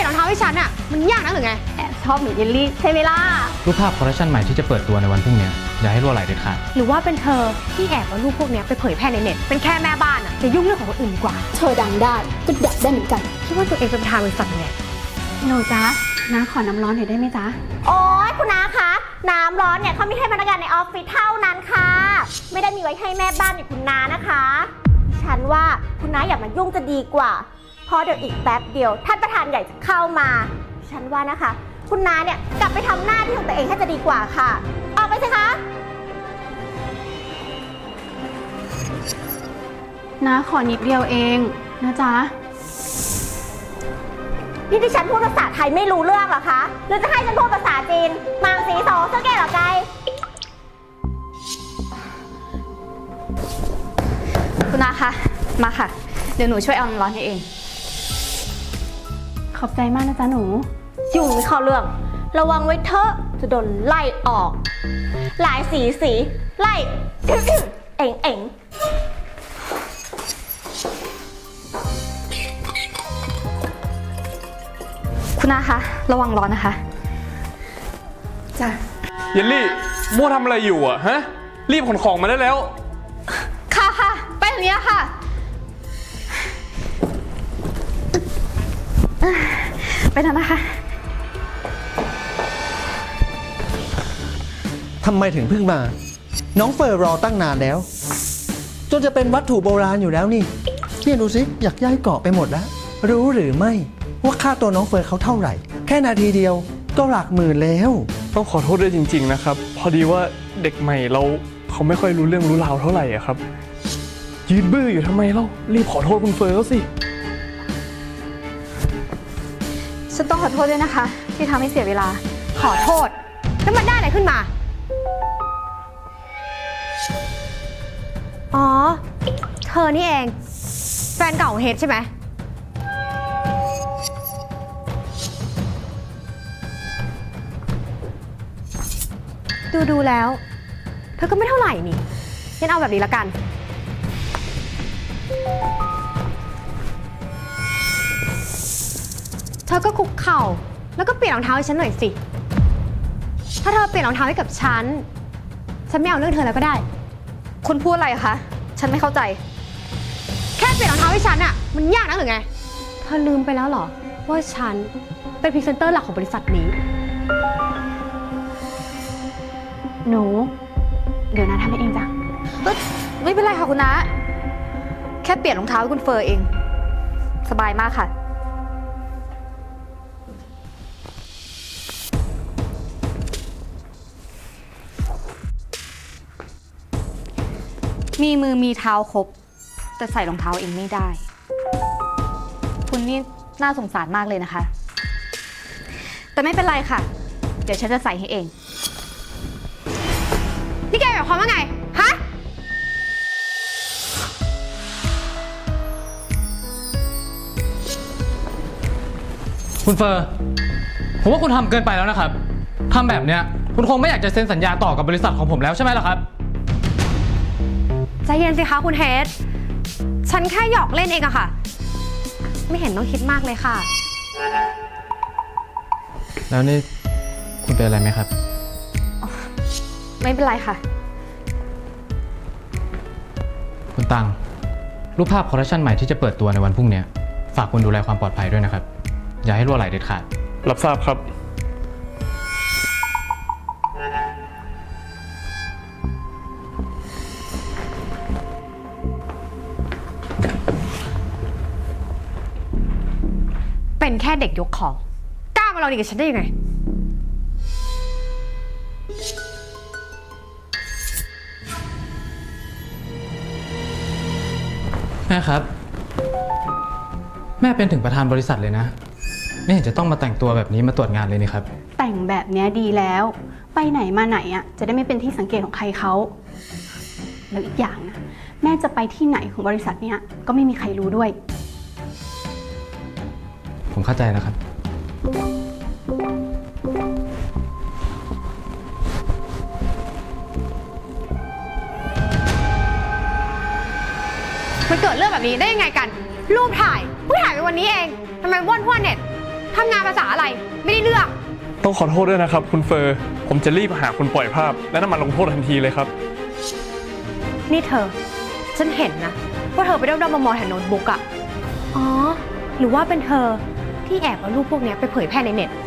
รองเท้าให้ฉันอ่ะมันยากนักหรือไงแอบชอบหนูเยลลี่ใช่ไหมล่ะรูปภาพคอลเลคชันใหม่ที่จะเปิดตัวในวันพรุ่งนี้อย่าให้รั่วไหลเด็ดขาดหรือว่าเป็นเธอที่แอบเอารูปพวกนี้ไปเผยแพร่ในเน็ตเป็นแค่แม่บ้านอ่ะจะยุ่งเรื่องของคนอื่นดีกว่าเธอดังได้ก็ดักได้เหมือนกันคิดว่าตัวเองเป็นประธานบริษัทไงหนูจ๊ะน้าขอน้ำร้อนหน่อยได้ไหมจ๊ะโอ๊ยคุณน้าคะน้ำร้อนเนี่ยเขามีให้พนักงานในออฟฟิศเท่านั้นค่ะไม่ได้มีไว้ให้แม่บ้านอย่างคุณน้านะคะฉันว่าคุณน้าอย่ามายุ่งจะดีกว่าเพราะเดี๋ยวอีกแป๊บเดียวท่านประธานใหญ่จะเข้ามาฉันว่านะคะคุณน้าเนี่ยกลับไปทำหน้าที่ของตัวเองให้จะดีกว่าค่ะออกไปสิคะน้าขอนิดเดียวเองนะจ๊ะนี่ที่ฉันพูดภาษาไทยไม่รู้เรื่องเหรอคะหรือจะให้ฉันพูดภาษาจีนมังสีโสเสื้อแก่เหรอไกคุณน้าคะมาค่ะเดี๋ยวหนูช่วยเอาน้ำร้อนให้เองขอบใจมากนะจ๊ะหนูอยู่ไม่เข้าเรื่องระวังไว้เถอะจะโดนไล่ออกหลายสีไล่เอ็งคุณน้าคะระวังร้อนนะคะจ้ะเยลลี่โม่ทำอะไรอยู่อ่ะฮะรีบขนของมาได้แล้วค่ะไปทางนี้ค่ะไปทางนั้นค่ะทำไมถึงเพิ่งมาน้องเฟอร์รอตั้งนานแล้วจนจะเป็นวัตถุโบราณอยู่แล้วนี่เนี่ยดูสิอยากย้ายเกาะไปหมดแล้วรู้หรือไม่ว่าค่าตัวน้องเฟอร์เขาเท่าไหร่แค่นาทีเดียวก็หลักหมื่นแล้วต้องขอโทษด้วยจริงๆนะครับพอดีว่าเด็กใหม่เขาไม่ค่อยรู้เรื่องรู้ราวเท่าไหร่อะครับยืนบื้ออยู่ทำไมเล่ารีบขอโทษคุณเฟอร์เขาสิฉันต้องขอโทษด้วยนะคะที่ทำให้เสียเวลาขอโทษแล้วมันได้อะไรขึ้นมาอ๋อเธอนี่เองแฟนเก่าของเฮดใช่ไหมดูแล้วเธอก็ไม่เท่าไหร่นี่งั้นเอาแบบนี้ละกันเธอก็คุกเข่าแล้วก็เปลี่ยนรองเท้าให้ฉันหน่อยสิถ้าเธอเปลี่ยนรองเท้าให้กับฉันไม่เอาเรื่องเธอแล้วก็ได้คุณพูดอะไรคะฉันไม่เข้าใจแค่เปลี่ยนรองเท้าให้ฉันอะมันยากนักหรือไงเธอลืมไปแล้วเหรอว่าฉันเป็นพรีเซนเตอร์หลักของบริษัทนี้หนูเดี๋ยวน้าทำให้เองจ้ะไม่เป็นไรค่ะคุณน้าแค่เปลี่ยนรองเท้าให้คุณเฟอร์เองสบายมากค่ะมีมือมีเท้าครบแต่ใส่รองเท้าเองไม่ได้คุณนี่น่าสงสารมากเลยนะคะแต่ไม่เป็นไรค่ะเดี๋ยวฉันจะใส่ให้เองนี่แกหมายความว่าไงฮะคุณเฟอร์ผมว่าคุณทำเกินไปแล้วนะครับทำแบบเนี้ยคุณคงไม่อยากจะเซ็นสัญญาต่อกับบริษัทของผมแล้วใช่ไหมล่ะครับใจเย็นสิคะคุณเฮดฉันแค่หยอกเล่นเองอะค่ะไม่เห็นต้องคิดมากเลยค่ะแล้วนี่คุณเป็นอะไรไหมครับไม่เป็นไรค่ะคุณตังรูปภาพคอลเลคชันใหม่ที่จะเปิดตัวในวันพรุ่งนี้ฝากคุณดูแลความปลอดภัยด้วยนะครับอย่าให้รั่วไหลเด็ดขาดรับทราบครับเป็นแค่เด็กยกของกล้ามาลองดีกับฉันได้ยังไงแม่ครับแม่เป็นถึงประธานบริษัทเลยนะไม่เห็นจะต้องมาแต่งตัวแบบนี้มาตรวจงานเลยนี่ครับแต่งแบบนี้ดีแล้วไปไหนมาไหนอ่ะจะได้ไม่เป็นที่สังเกตของใครเขาแล้วอีกอย่างนะแม่จะไปที่ไหนของบริษัทเนี้ยก็ไม่มีใครรู้ด้วยผมเข้าใจแล้วครับมันเกิดเรื่องแบบนี้ได้ยังไงกันรูปถ่ายถ่ายไปวันนี้เองทำไมว่อนพ่อเน็ตเธทำงานภาษาอะไร ไม่ได้เรื่องต้องขอโทษด้วยนะครับ คุณเฟอร์ ผมจะรีบหาคนปล่อยภาพ และนำมาลงโทษทันทีเลยครับนี่เธอ ฉันเห็นนะว่าเธอไปด้อมๆมองๆแถวโน้ตบุ๊กอะอ๋อ หรือว่าเป็นเธอที่แอบเอารูปพวกเนี้ยไปเผยแพร่ในเน็ต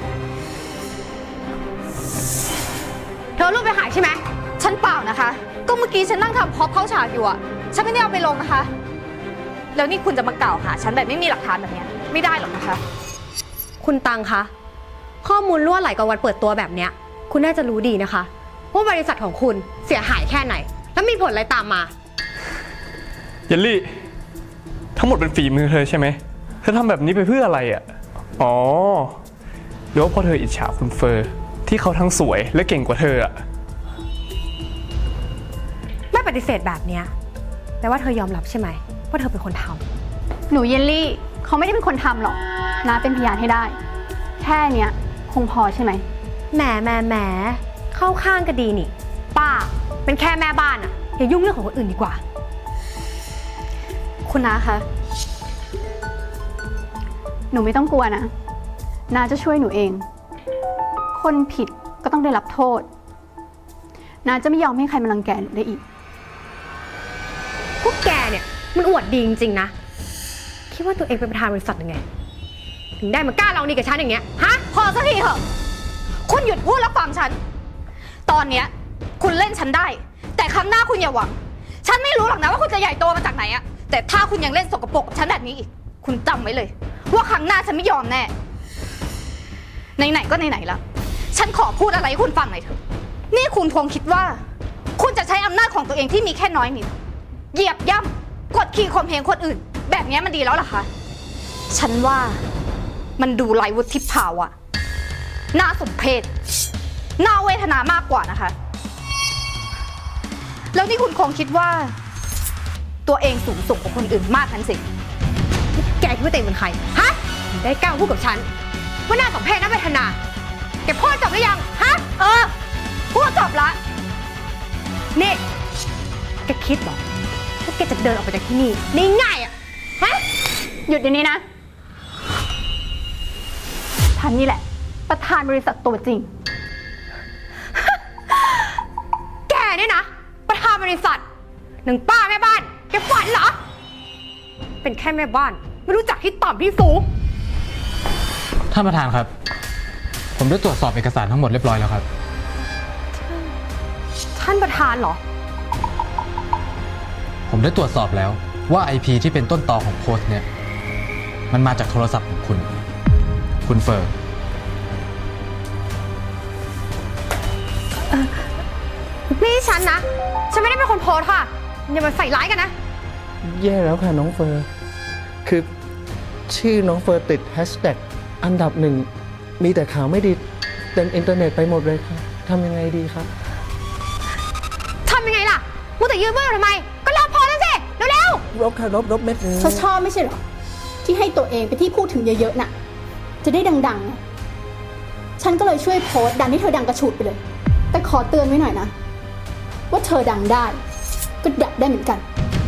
เธอเอารูปไปขายใช่ไหมฉันเปล่านะคะ ก็เมื่อกี้ฉันนั่งทำพร็อพเข้าฉากอยู่อะฉันไม่ได้เอาไปลงนะคะ แล้วนี่คุณจะมากล่าวหาฉันแบบไม่มีหลักฐานแบบเนี้ยไม่ได้หรอกนะคะคุณตังคะ ข้อมูลรั่วไหลกับวันเปิดตัวแบบเนี้ย คุณน่าจะรู้ดีนะคะว่าบริษัทของคุณเสียหายแค่ไหน แล้วมีผลอะไรตามมาเยลลี่ ทั้งหมดเป็นฝีมือเธอใช่ไหม เธอทำแบบนี้ไปเพื่ออะไรอ่ะ อ๋อหรือว่าเพราะเธออิจฉาคุณเฟอร์ ที่เขาทั้งสวยและเก่งกว่าเธออ่ะไม่ปฏิเสธแบบเนี้ยแปลว่าเธอยอมรับใช่ไหมว่าเธอเป็นคนทำหนูเยลลี่เขาไม่ได้เป็นคนทำหรอกน้าเป็นพยานให้ได้ แค่เนี้ยคงพอใช่ไหมแหมเข้าข้างก็ดีนี่ ป้าเป็นแค่แม่บ้านอะอย่ายุ่งเรื่องของคนอื่นดีกว่าคุณน้าคะหนูไม่ต้องกลัวนะน้าจะช่วยหนูเอง คนผิดก็ต้องได้รับโทษน้าจะไม่ยอมให้ใครมารังแกหนูได้อีกพวกแกเนี่ยมันอวดดีจริงๆนะ คิดว่าตัวเองเป็นประธานบริษัทยังไง ถึงได้มากล้าลองดีกับฉันอย่างเงี้ย ฮะพอสักทีเถอะคุณหยุดพูดแล้วฟังฉัน ตอนเนี้ยคุณเล่นฉันได้ แต่ครั้งหน้าคุณอย่าหวัง ฉันไม่รู้หรอกนะว่าคุณจะใหญ่โตมาจากไหนอะแต่ถ้าคุณยังเล่นสกปรกกับฉันแบบนี้อีก คุณจำไว้เลย ว่าครั้งหน้าฉันไม่ยอมแน่ ไหนๆก็ไหนๆละฉันขอพูดอะไรให้คุณฟังหน่อยเถอะ นี่คุณคงคิดว่า คุณจะใช้อำนาจของตัวเองที่มีแค่น้อยนิดเหยียบย่ำกดขี่ข่มเหงคนอื่น แบบนี้มันดีแล้วเหรอคะ ฉันว่ามันดูไร้วุฒิภาวะน่าสมเพชน่าเวทนามากกว่านะคะ แล้วนี่คุณคงคิดว่า ตัวเองสูงส่งกว่าคนอื่นมากนั้นสิแกคิดว่าตัวเองเป็นใคร ฮะถึงได้กล้าพูดกับฉันว่าน่าสมเพชน่าเวทนา แกพูดจบหรือยัง ฮะพูดจบละนี่แกคิดเหรอว่าแกจะเดินออกไปจากที่นี่ได้ง่ายอะฮะหยุดเดี๋ยวนี้นะฉันนี่แหละ ประธานบริษัทตัวจริงแกเนี่ยนะ ประธานบริษัทหนึ่งป้าแม่บ้าน แกฝันเหรอ เป็นแค่แม่บ้าน ไม่รู้จักที่ต่ำที่สูงท่านประธานครับ ผมได้ตรวจสอบเอกสารทั้งหมดเรียบร้อยแล้วครับท่านประธานเหรอผมได้ตรวจสอบแล้วว่า IP ที่เป็นต้นตอของโพสต์เนี่ย มันมาจากโทรศัพท์ของคุณเฟอร์นี่ฉันนะ ฉันไม่ได้เป็นคนโพสต์ค่ะ อย่ามาใส่ร้ายกันนะแย่แล้วค่ะน้องเฟอร์ คือชื่อน้องเฟอร์ติดแฮชแท็กอันดับหนึ่ง มีแต่ข่าวไม่ดีเต็มอินเทอร์เน็ตไปหมดเลยครับทำยังไงดีครับทำยังไงล่ะมัวแต่ยืนเบื่อทำไม ก็ลบโพสต์นั่นสิ เร็วรบค่ะรบเม็ดนึงเขาชอบไม่ใช่เหรอ ที่ให้ตัวเองไปนที่พูดถึงเยอะๆน่ะ จะได้ดังๆไงฉันก็เลยช่วยโพสต์ดันให้เธอดังกระฉูดไปเลย แต่ขอเตือนไว้หน่อยนะ ว่าเธอดังได้ ก็ดับได้เหมือนกัน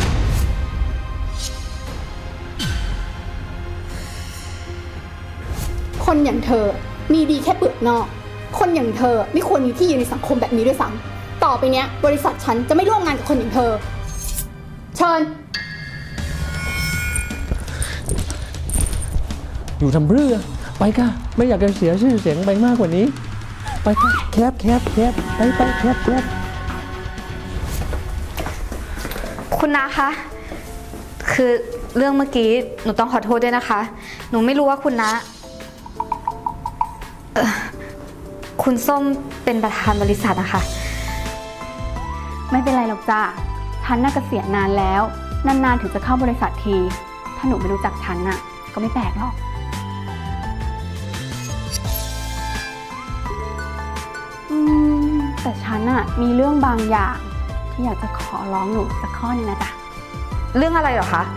คนอย่างเธอมีดีแค่เปลือกนอก คนอย่างเธอไม่ควรมีที่ยืนในสังคมแบบนี้ด้วยซ้ำต่อไปเนี้ย บริษัทฉันจะไม่ร่วมงานกับคนอย่างเธอ เชิญอยู่ทำเรือไปค่ะ ไม่อยากจะเสียชื่อเสียงไปมากกว่านี้ ไปค่ะแคบไปแคบคุณนาคะ คือเรื่องเมื่อกี้หนูต้องขอโทษด้วยนะคะ หนูไม่รู้ว่าคุณนาคุณส้มเป็นประธานบริษัทนะคะ ไม่เป็นไรหรอกจ้าฉันน่าเกษียณนานแล้ว นานๆถึงจะเข้าบริษัทที ถ้าหนูไม่รู้จักฉันน่ะ ก็ไม่แปลกหรอก แต่ฉันน่ะมีเรื่องบางอย่างที่อยากจะขอร้องหนูสักข้อหนึงนะจ๊ะ เรื่องอะไรเหรอคะ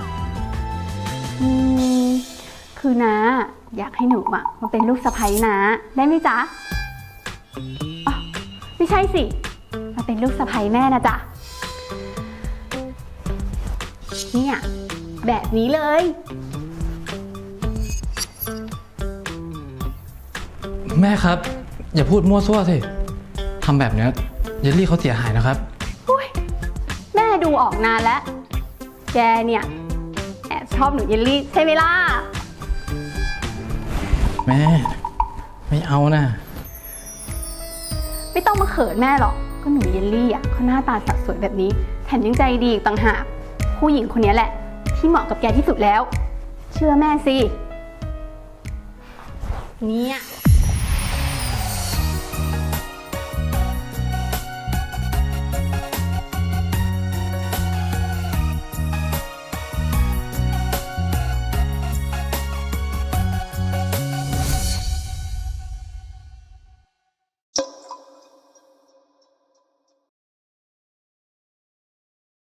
คือน้าอยากให้หนูมาเป็นลูกสะใภ้น้าได้ไหมจ๊ะอ๋อไม่ใช่สิ มาเป็นลูกสะใภ้แม่นะจ๊ะ เนี่ยแบบนี้เลยแม่ครับ อย่าพูดมั่วซั่วสิทำแบบเนี้ยเยลลี่เขาเสียหายนะครับแม่ดูออกนานแล้ว แกเนี่ยแอบชอบหนูเยลลี่ใช่ไหมล่ะแม่ไม่เอานะไม่ต้องมาเขินแม่หรอก ก็หนูเยลลี่อ่ะเขาหน้าตาสดสวยแบบนี้ แถมยังใจดีอีกต่างหาก ผู้หญิงคนนี้แหละ ที่เหมาะกับแกที่สุดแล้ว เชื่อแม่สิ เนี่ย